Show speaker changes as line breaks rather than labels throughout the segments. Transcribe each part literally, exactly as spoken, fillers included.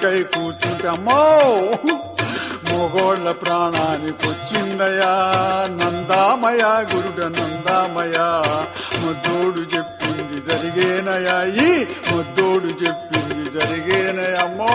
పెళ్లికై కూర్చుంటే అమ్మో మొగోళ్ళ ప్రాణానికి వచ్చిందయా నందామయ గురుడ నందామయ ముద్దోడు చెప్పింది జరిగేనయా ఈ ముద్దోడు చెప్పింది జరిగేనయమ్మో.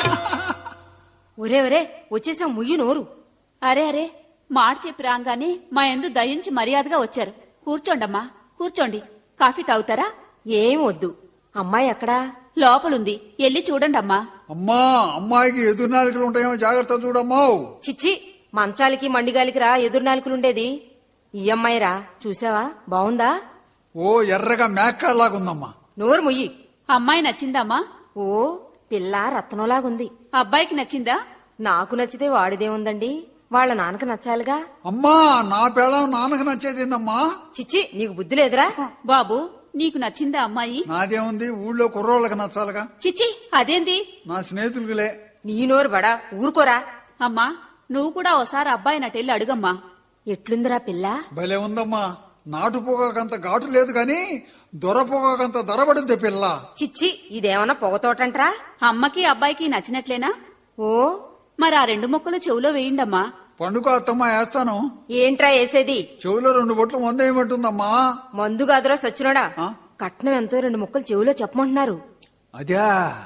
ఒరే ఒరే వచ్చేసాం ముయ్యి నోరు.
అరే అరే మాట చెప్పి రాగానే మా యందు దయించి మర్యాదగా వచ్చారు. కూర్చోండమ్మా కూర్చోండి. కాఫీ తాగుతారా?
ఏం వద్దు. అమ్మాయి ఎక్కడా?
లోపలుంది, ఎల్లి చూడండమ్మా.
అమ్మా అమ్మాయికి ఎదురు నాలుకలు ఉంటాయేమో జాగ్రత్త చూడమ్మా.
చిచ్చి మంచాలకి మండిగాలికి రా ఎదురు నాలుకలుండేది. ఈ అమ్మాయిరా చూసావా బావుందా?
ఓ ఎర్రగా మేకలాగుందమ్మా.
నోరు ముయ్యి.
అమ్మాయి నచ్చిందమ్మా?
ఓ పిల్ల రత్నంలాగుంది.
అబ్బాయికి నచ్చిందా?
నాకు నచ్చితే వాడిదేముందండి, వాళ్ళ నాన్నకు నచ్చాలిగా.
అమ్మా నా పిల్లం నాన్నకు నచ్చేదేందమ్మా.
చిచ్చి నీకు బుద్ధి లేదురా
బాబు, నీకు నచ్చిందా అమ్మాయి?
నాదేముంది, ఊళ్ళో కుర్రోళ్ళకి నచ్చాలిగా.
చిచ్చి అదేంది?
నా స్నేహితులకులే.
నీ నోరు బడా ఊరుకోరా.
అమ్మా నువ్వు కూడా ఓసారి అబ్బాయి నటెళ్ళి అడుగమ్మా.
ఎట్లుందిరా పిల్ల?
భలే ఉందమ్మా. నాటు పొగాకంత ఘాటు లేదు గాని దొర పొగాకంత దొరబడుద్ది పిల్ల.
చిచ్చి ఇదేమన్నా పొగతోటంట్రా?
అమ్మకి అబ్బాయికి నచ్చినట్లేనా?
ఓ
మరి ఆ రెండు మొక్కలు చెవులో వేయండమ్మా.
పండుగ అత్తమ్మా వేస్తాను.
ఏంట్రా వేసేది?
చెవులో రెండు బొట్లు మందేయమంటుందమ్మా.
మందు కాదురా సచ్చినోడా.
ఆ?
కట్నం ఎంతో రెండు ముక్కలు చెవులో చెప్పమంటున్నారు.
అదే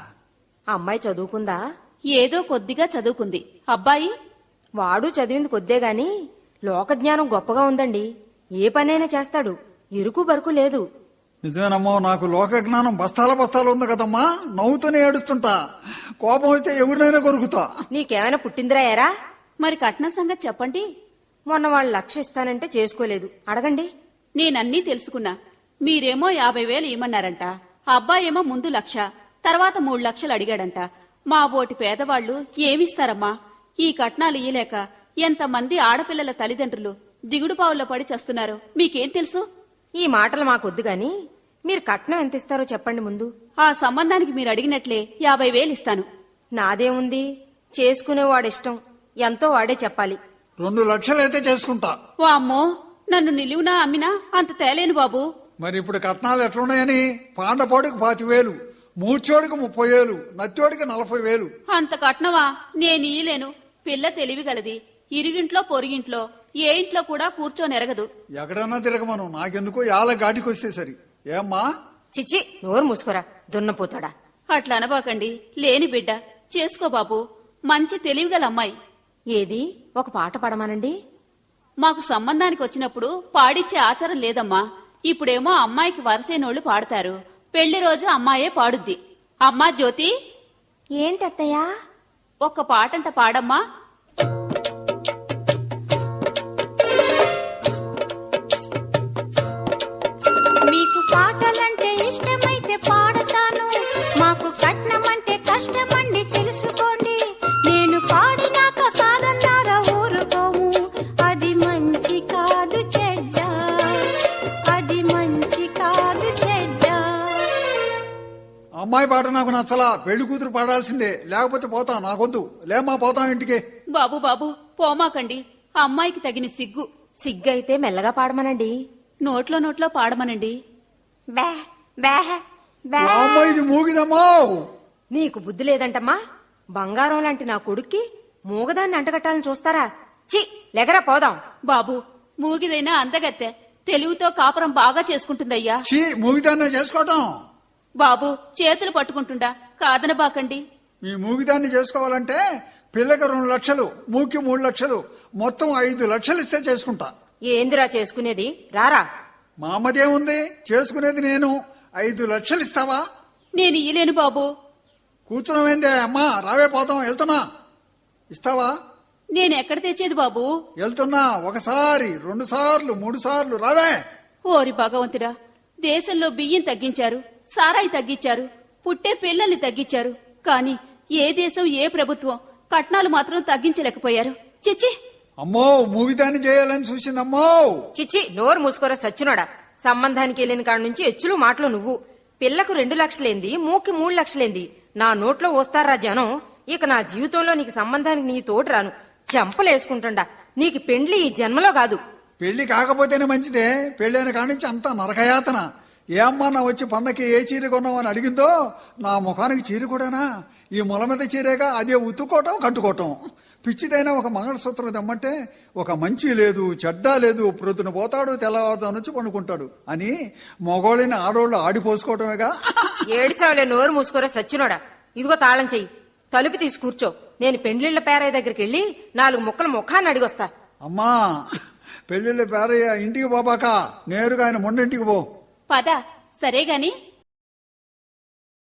అమ్మాయి చదువుకుందా?
ఏదో కొద్దిగా చదువుకుంది. అబ్బాయి?
వాడు చదివింది కొద్దే గాని లోకజ్ఞానం గొప్పగా ఉందండి. ఏ పనైనా చేస్తాడు, ఇరుకు బరుకు లేదు.
నిజమేనమ్మో, నాకు లోక జ్ఞానం బస్తాల బస్తాలు ఉంది కదమ్మా. నవ్వుతూనే ఏడుస్తుంటా, కోపం వస్తే ఎవరినైనా కొరుకుతా.
నీకేమైనా పుట్టిందిరా ఎరా?
మరి కట్నం సంగతి చెప్పండి.
మొన్న వాళ్ళు లక్ష ఇస్తానంటే చేసుకోలేదు, అడగండి.
నేనన్నీ తెలుసుకున్నా. మీరేమో యాభై వేలు ఇమ్మన్నారంట, అబ్బాయేమో ముందు లక్ష, తర్వాత మూడు లక్షలు అడిగాడంట. మా బోటి పేదవాళ్లు ఏమిస్తారమ్మా? ఈ కట్నాలు ఇయ్యలేక ఎంతమంది ఆడపిల్లల తల్లిదండ్రులు దిగుడుపావుల్లో పడి చస్తున్నారు. మీకేం తెలుసు?
ఈ మాటలు మాకొద్దు గాని మీరు కట్నం ఎంత ఇస్తారో చెప్పండి ముందు.
ఆ సంబంధానికి మీరు అడిగినట్లే యాభై వేలు ఇస్తాను.
నాదేముంది, చేసుకునేవాడిష్టం, ఎంతో వాడే చెప్పాలి.
రెండు లక్షలైతే చేసుకుంటా.
ఓ అమ్మో, నన్ను నిలువునా అమ్మినా అంత తేలేను బాబు.
మరి ఇప్పుడు కట్నాలు ఎట్లున్నాయని? పాండపోడికి పాతి వేలు, మూర్చోడికి ముప్పై వేలు, నచ్చోడికి నలభై వేలు.
అంత కట్నవా? నేను ఇయ్యలేను. పిల్ల తెలివిగలది. ఇరుగింట్లో పొరుగింట్లో ఏ ఇంట్లో కూడా కూర్చోనెరగదు.
ఎక్కడన్నా తిరగమను, నాకెందుకో యాల ఘాటికి వస్తే సరి. ఏమ్మా?
చిచ్చి నోరు మూసుకోరా దున్నపోతాడా.
అట్లా అనబాకండి. లేని బిడ్డ చేసుకో బాబు. మంచి తెలివిగల అమ్మాయి.
ఏది ఒక పాట పాడమానండి.
మాకు సంబంధానికి వచ్చినప్పుడు పాడిచ్చే ఆచారం లేదమ్మా. ఇప్పుడేమో అమ్మాయికి వరసైనోళ్లు పాడతారు. పెళ్లి రోజు అమ్మాయే పాడుద్ది. అమ్మా జ్యోతి,
ఏంటత్తయ్యా?
ఒక్క పాటంట పాడమ్మా.
మీకు పాటలంటే ఇష్టమైతే పాడతాను, మాకు కట్నం అంటే కష్టమండి తెలుసుకోండి. నేను పాడినాక కాదన్నారా ఊరుకోము, అది మంచి కాదు చెడ్డ, అది మంచి కాదు చెడ్డ.
అమ్మాయి పాట నాకు నచ్చలా. పెళ్లి కూతురు పాడాల్సిందే, లేకపోతే పోతా. నాకొద్దు. లేమ్మా పోతాం ఇంటికి.
బాబు బాబు పోమాకండి. అమ్మాయికి తగిన సిగ్గు.
సిగ్గైతే మెల్లగా పాడమనండి.
నోట్లో నోట్లో పాడమనండి.
బే బే బే.
అమ్మాయి ఇది మూగిదమ్మా.
నీకు బుద్ధి లేదంటమ్మా. బంగారం లాంటి నా కొడుక్కి మూగదాన్ని అంటగట్టాలని చూస్తారా? చి లెగరా పోదాం.
బాబు మూగిదైనా అందగత్తె, తెలుగుతో కాపురం బాగా చేసుకుంటుందయ్యా.
చీ, మూగిదాన్నే చేసుకోవటం.
బాబు చేతులు పట్టుకుంటుండా కాదనబాకండి.
మీ మూగిదాన్ని చేసుకోవాలంటే పిల్లకి రెండు లక్షలు, మూకి మూడు లక్షలు, మొత్తం ఐదు లక్షలు ఇస్తే చేసుకుంటా.
ఏందిరా చేసుకునేది? రారా.
మా అమ్మదేముంది, చేసుకునేది నేను. ఐదు లక్షలు ఇస్తావా?
నేను ఇయ్యలేను బాబు.
కూర్చున్నావేందే అమ్మా, రావే పోతాం. వెళ్తున్నా. ఇస్తావా?
నేను ఎక్కడ తెచ్చేది బాబు?
వెళ్తున్నా. ఒకసారి, రెండు సార్లు, మూడు సార్లు, రావే.
ఓరి భగవంతుడా, దేశంలో బియ్యం తగ్గించారు, సారాయి తగ్గించారు, పుట్టే పిల్లల్ని తగ్గించారు. కాని ఏ దేశం ఏ ప్రభుత్వం కట్నాలు మాత్రం తగ్గించలేకపోయారు. చిచ్చి.
అమ్మో, మూగిదాన్ని చేయాలని చూసిందమ్మో.
చిచ్చి నోరు మూసుకోరా సచ్చినోడా. సంబంధానికి వెళ్ళిన కాడ నుంచి ఎచ్చులు మాటలు నువ్వు. పిల్లకు రెండు లక్షలేంది, మూకి మూడు లక్షలేంది. నా నోట్లో వస్తారా జనం. ఇక నా జీవితంలో నీకు సంబంధానికి నీ తోడు రాను. చెంపలేసుకుంటుండా. నీకు పెండ్లి ఈ జన్మలో కాదు.
పెళ్లి కాకపోతేనే మంచిదే. పెళ్ళైన కాడి నుంచి అంతా నరకయాతన. ఏ అమ్మా నా వచ్చి పండకి ఏ చీర కొన్నామని అడిగిందో నా ముఖానికి చీర కూడానా? ఈ మొల మీద చీరేగా అదే ఉతుక్కోవటం కట్టుకోవటం. పిచ్చిదైనా ఒక మంగళసూత్రం తెమ్మంటే ఒక మంచి లేదు చెడ్డ లేదు, ప్రొద్దున పోతాడు తెల్లవారుజాము నుంచి పండుకుంటాడు అని మగోళ్ళని ఆడోళ్ళు ఆడిపోసుకోవటమేగా.
ఏడిసావులే, నోరు మూసుకోరా సచ్చినోడా. ఇదిగో తాళం చెయ్యి, తలుపు తీసి కూర్చో. నేను పెండ్లిళ్ల పేరయ్య దగ్గరికి వెళ్ళి నాలుగు ముక్కలు ముఖాన్ని అడిగొస్తా.
అమ్మా పెళ్లిళ్ళ పేరయ్య ఇంటికి పోబాక నేరుగా ఆయన మొండింటికి పో.
పద సరే గాని